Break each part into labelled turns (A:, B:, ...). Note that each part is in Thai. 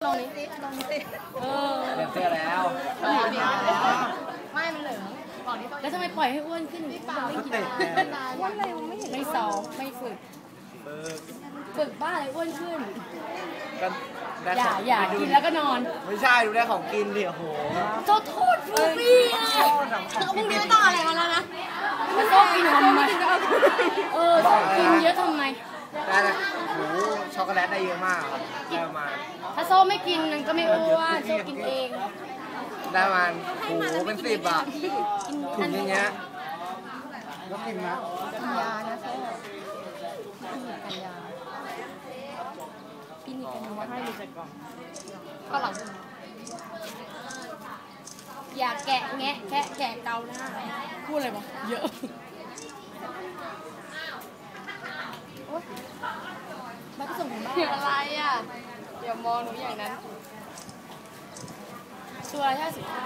A: ลองนี้สิลองนี้สิ
B: เปลี่ยนเสื้อแล้ว
A: ไม่มันเหลืองแล้วทำไมปล่อยให้อ้วนขึ้นอีกไม่กินอ้วนอะไรไม่เห็นไม่ซ้อมไม่ฝึกบ้าอะไรอ้วนขึ้นอย่ากินแล้วก็นอน
B: ไม่ใช่ดูได้ของกินดิโอ้โห
A: โทษฟูฟี่พรุ่งนี้ไม่ต้องอะไรมาแล้วนะมันต้องกินทำไมกินเยอะทำไม
B: ได้เลยโอ้ช็อกโกแลตได้เยอะมากได้ประมาณ
A: ถ้าโซ่ไม่กินมันก็ไม่อ้วนโซ่กินเอง
B: ได้ประมาณโอ้เป็น10 อ่ะถุงอย่างเงี้ยแล้วกินนะ
A: กินยานะโซ่กินยากินอีกกันมาให้ดูจากกล่องก็หลังอย่าแกะแงะแกะเกาหน้าพูดอะไรวะเยอะบ้านก็ส่งถึงบ้านอะไรอ่ะอย่ามองหนูอย่างนั้นตัวละ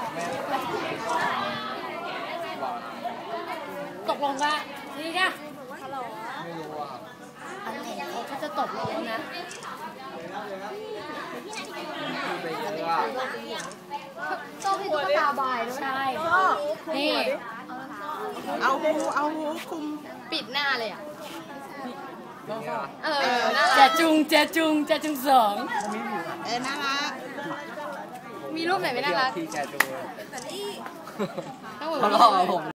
A: 59ตกลงว่านี่เนี่ย
B: ไม่รู้อ่ะ
A: เขาจะตกลงนะ
B: ไปเยอะอ่ะ
A: ต้องให้ตุ๊กตาบายด้วยใช่นี่
C: เอาหูคุม
A: ปิดหน้าเลยอ่ะ
C: แจจุงสองน่ารัก
A: มีรูปไหนไม่น่ารัก
B: ที่แจจุง
A: ต้อง
B: เขาหลอกผม